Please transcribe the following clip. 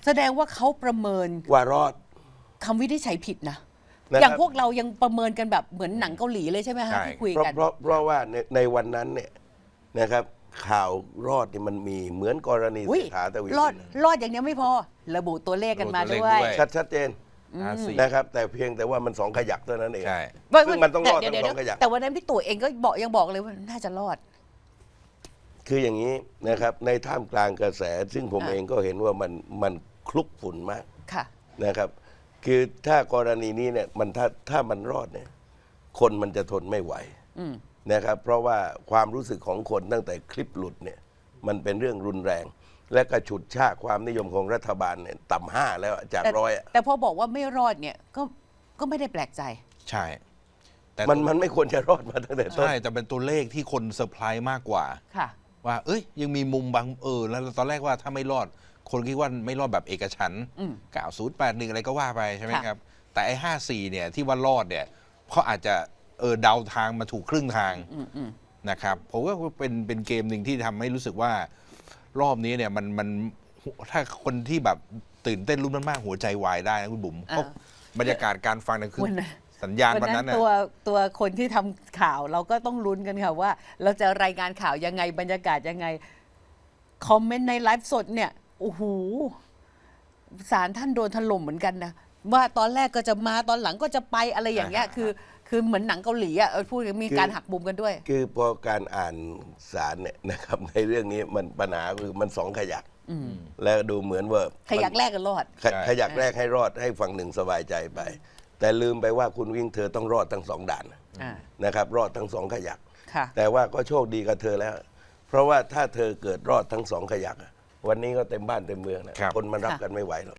แสดงว่าเขาประเมินว่ารอดคำวินิจฉัยผิดนะอย่างพวกเรายังประเมินกันแบบเหมือนหนังเกาหลีเลยใช่ไหมคะที่คุยกันเพราะว่าในวันนั้นเนี่ยนะครับข่าวรอดนี่มันมีเหมือนกรณีเศรษฐาทวีสินรอดอย่างนี้ไม่พอระบุตัวเลขกันมาด้วยชัดเจนนะครับแต่เพียงแต่ว่ามัน2 ขยักเท่านั้นเองซึ่งมันต้องรอดทั้ง2 ขยักแต่วันนั้นพี่ตู่เองก็ยังบอกเลยว่าน่าจะรอดคืออย่างนี้นะครับในท่ามกลางกระแสซึ่งผมเองก็เห็นว่ามันคลุกฝุ่นมากนะครับคือถ้ากรณีนี้เนี่ยมันถ้ามันรอดเนี่ยคนมันจะทนไม่ไหวนะครับเพราะว่าความรู้สึกของคนตั้งแต่คลิปหลุดเนี่ยมันเป็นเรื่องรุนแรง และก็ฉุดชากความนิยมของรัฐบาลเนี่ยต่ำ5แล้วจาก100 แต่พอบอกว่าไม่รอดเนี่ยก็ไม่ได้แปลกใจใช่แต่มันไม่ควรจะรอดมาตั้งแต่ต้นใช่แต่เป็นตัวเลขที่คนเซอร์ไพรส์มากกว่าว่าเอ้ยยังมีมุมบางแล้วตอนแรกว่าถ้าไม่รอดคนคิดว่าไม่รอดแบบเอกฉันท์9081อะไรก็ว่าไปใช่ไหมครับแต่ไอ้54เนี่ยที่ว่ารอดเนี่ยเขาอาจจะเดาทางมาถูกครึ่งทางนะครับผมว่าเป็นเกมหนึ่งที่ทำให้รู้สึกว่ารอบนี้เนี่ยมันถ้าคนที่แบบตื่นเต้นรุ่นมากๆหัวใจวายได้นะคุณบุ๋มเพราะบรรยากาศการฟังนั่นคือสัญญาณวันนั้นตัวคนที่ทำข่าวเราก็ต้องลุ้นกันค่ะว่าเราจะรายงานข่าวยังไงบรรยากาศยังไงคอมเมนต์ในไลฟ์สดเนี่ยโอ้โหศาลท่านโดนถล่มเหมือนกันนะว่าตอนแรกก็จะมาตอนหลังก็จะไปอะไรอย่างเงี้ยคือเหมือนหนังเกาหลีอ่ะพูดมีการหักมุมกันด้วยคือพอการอ่านศาลเนี่ยนะครับในเรื่องนี้มันปัญหาคือมัน2 ขยักแล้วดูเหมือนว่าขยักแรกก็รอดขยักแรกให้รอดให้ฝั่งหนึ่งสบายใจไปแต่ลืมไปว่าคุณวิ่งเธอต้องรอดทั้ง2 ด่านนะครับรอดทั้ง2 ขยักแต่ว่าก็โชคดีกับเธอแล้วเพราะว่าถ้าเธอเกิดรอดทั้ง2 ขยักวันนี้ก็เต็มบ้านเต็มเมืองนะคนมันรับกันไม่ไหวหรอก